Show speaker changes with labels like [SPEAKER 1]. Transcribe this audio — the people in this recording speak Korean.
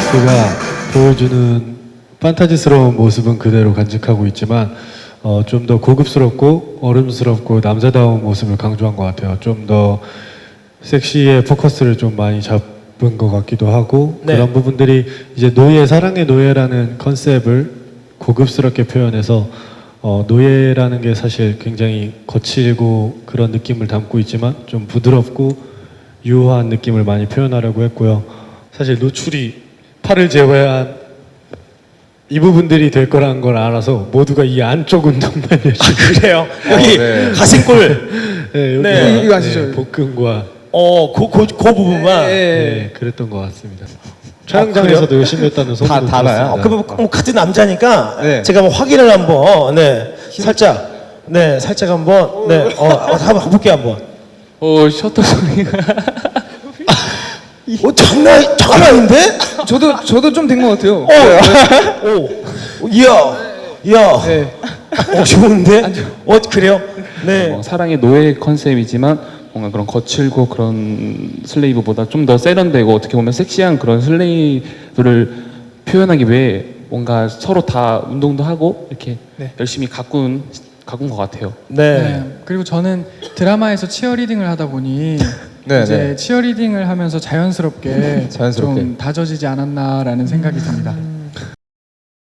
[SPEAKER 1] BTS가 보여주는 판타지스러운 모습은 그대로 간직하고 있지만 좀 더 고급스럽고 어른스럽고 남자다운 모습을 강조한 것 같아요. 좀 더 섹시에 포커스를 좀 많이 잡은 것 같기도 하고
[SPEAKER 2] 네.
[SPEAKER 1] 그런 부분들이 이제 노예, 사랑의 노예라는 컨셉을 고급스럽게 표현해서 노예라는 게 사실 굉장히 거칠고 그런 느낌을 담고 있지만 좀 부드럽고 유효한 느낌을 많이 표현하려고 했고요. 사실 노출이 팔을 제외한 이 부분들이 될 거라는 걸 알아서 모두가 이 안쪽 운동만 열심히
[SPEAKER 2] 그래요? 여기
[SPEAKER 3] 네.
[SPEAKER 2] 가슴골.
[SPEAKER 1] 네, 여기가,
[SPEAKER 2] 네.
[SPEAKER 4] 이거 아시죠?
[SPEAKER 1] 복근과
[SPEAKER 2] 그 부분만.
[SPEAKER 1] 네, 그랬던 것 같습니다. 촬영장에서도 열심히 했다는 소문도
[SPEAKER 3] 다 나요?
[SPEAKER 1] 들었습니다.
[SPEAKER 2] 그러면 뭐 같은 남자니까
[SPEAKER 3] 네.
[SPEAKER 2] 제가 한번 확인을 한번 살짝 한번 한번 볼게요 한번.
[SPEAKER 5] 셔터 소리가.
[SPEAKER 2] 장난 아닌데?
[SPEAKER 4] 저도 좀 된 것 같아요.
[SPEAKER 2] 이야.
[SPEAKER 4] 네.
[SPEAKER 2] 좋은데? 그래요? 네.
[SPEAKER 5] 사랑의 노예 컨셉이지만 뭔가 그런 거칠고 그런 슬레이브보다 좀 더 세련되고 어떻게 보면 섹시한 그런 슬레이브를 표현하기 위해 뭔가 서로 다 운동도 하고 이렇게
[SPEAKER 4] 네.
[SPEAKER 5] 열심히 가꾼 것 같아요.
[SPEAKER 2] 네.
[SPEAKER 6] 네. 그리고 저는 드라마에서 치어리딩을 하다 보니
[SPEAKER 3] 네,
[SPEAKER 6] 이제
[SPEAKER 3] 네.
[SPEAKER 6] 치어리딩을 하면서 자연스럽게
[SPEAKER 3] 자연스럽게.
[SPEAKER 6] 좀 다져지지 않았나라는 생각이 듭니다.